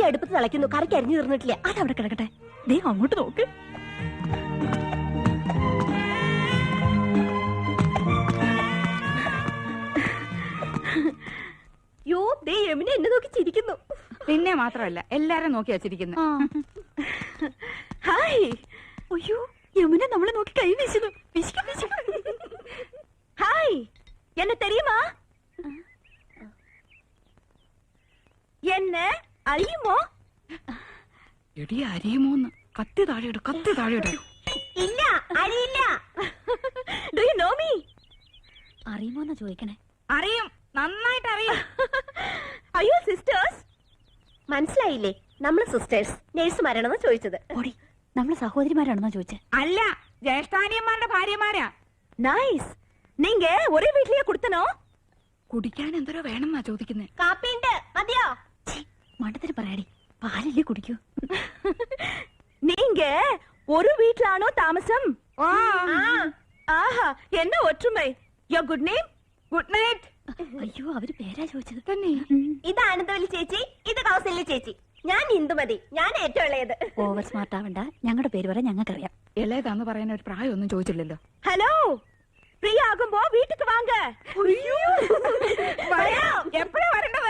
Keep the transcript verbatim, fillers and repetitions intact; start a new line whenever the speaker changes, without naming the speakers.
സദ്യ അടുപ്പത്ത് തിളയ്ക്കുന്നു, കറിക്ക് അരിഞ്ഞു തീർന്നിട്ടില്ല.
അതവിടെ കിടക്കട്ടെ. ദേ അങ്ങോട്ട് നോക്ക്.
യോ, ദേ യമുന എന്നെ നോക്കി ചിരിക്കുന്നു.
പിന്നെ മാത്രമല്ല എല്ലാരും നോക്കി വച്ചിരിക്കുന്നു.
ഹായ്.
അയ്യോ, യമുന നമ്മളെ നോക്കി കൈ വീശുന്നു.
ഹായ്, എന്നെ തെരിയുമാ? എന്നെ അറിയുമോ?
എടി അരിയുമോന്ന്. കത്തി താഴെയിട്, കത്തി താഴെയിട്.
ഇല്ല, അറിയില്ല. Do you know me?
അറിയുമോന്നാ ചോദിക്കണേ.
അറിയും, നന്നായിട്ട് അറിയും.
അയ്യോ സിസ്റ്റേഴ്സ്, മനസ്സിലായില്ലേ? നമ്മള് സിസ്റ്റേഴ്സ് നേഴ്സുമാരാണെന്ന് ചോദിച്ചത്.
ഓടി, നമ്മളെ സഹോദരിമാരാണെന്നാ ചോദിച്ചേ.
അല്ല, ജ്യേഷ്ഠാനിയന്മാരുടെ ഭാര്യമാരാ.
നൈസ്. നീങ്ക ഒരേ വീട്ടിലേ കൊടുത്തനോ?
കുടിക്കാൻ എന്തോരോ വേണമെന്നാ ചോദിക്കുന്നേ.
കാപ്പിണ്ട്, മതിയോ?
മണ്ടത്തിന് പറയാടി, പാലല്ലേ കുടിക്കൂ.
നീങ്ക ഒരു വീട്ടിലാണോ താമസം?
ഓ,
ആഹാ, എന്നെ ഒറ്റുമൈ. യോ ഗുഡ് നെയിം?
Good night.
അയ്യോ, അവര് പേരാ ചോദിച്ചത്
തന്നെ.
ഇത് ആനന്ദവല്ലി ചേച്ചി, ഇത് കൗസല്യ ചേച്ചി. ഞാൻ ഇന്ദുമതി, ഞാൻ ഏറ്റവും ഇളയത്.
ഓവർ സ്മാർട്ട് ആവണ്ട, ഞങ്ങളുടെ പേര് വരെ ഞങ്ങൾക്കറിയാം.
ഇളയതാന്ന് പറയാൻ ഒരു പ്രായമൊന്നും ചോദിച്ചില്ലല്ലോ.
ഹലോ, ഫ്രീ ആകുമ്പോ വീട്ടിക്ക് വാങ്ങ.
എപ്പോഴാ വരേണ്ടത്?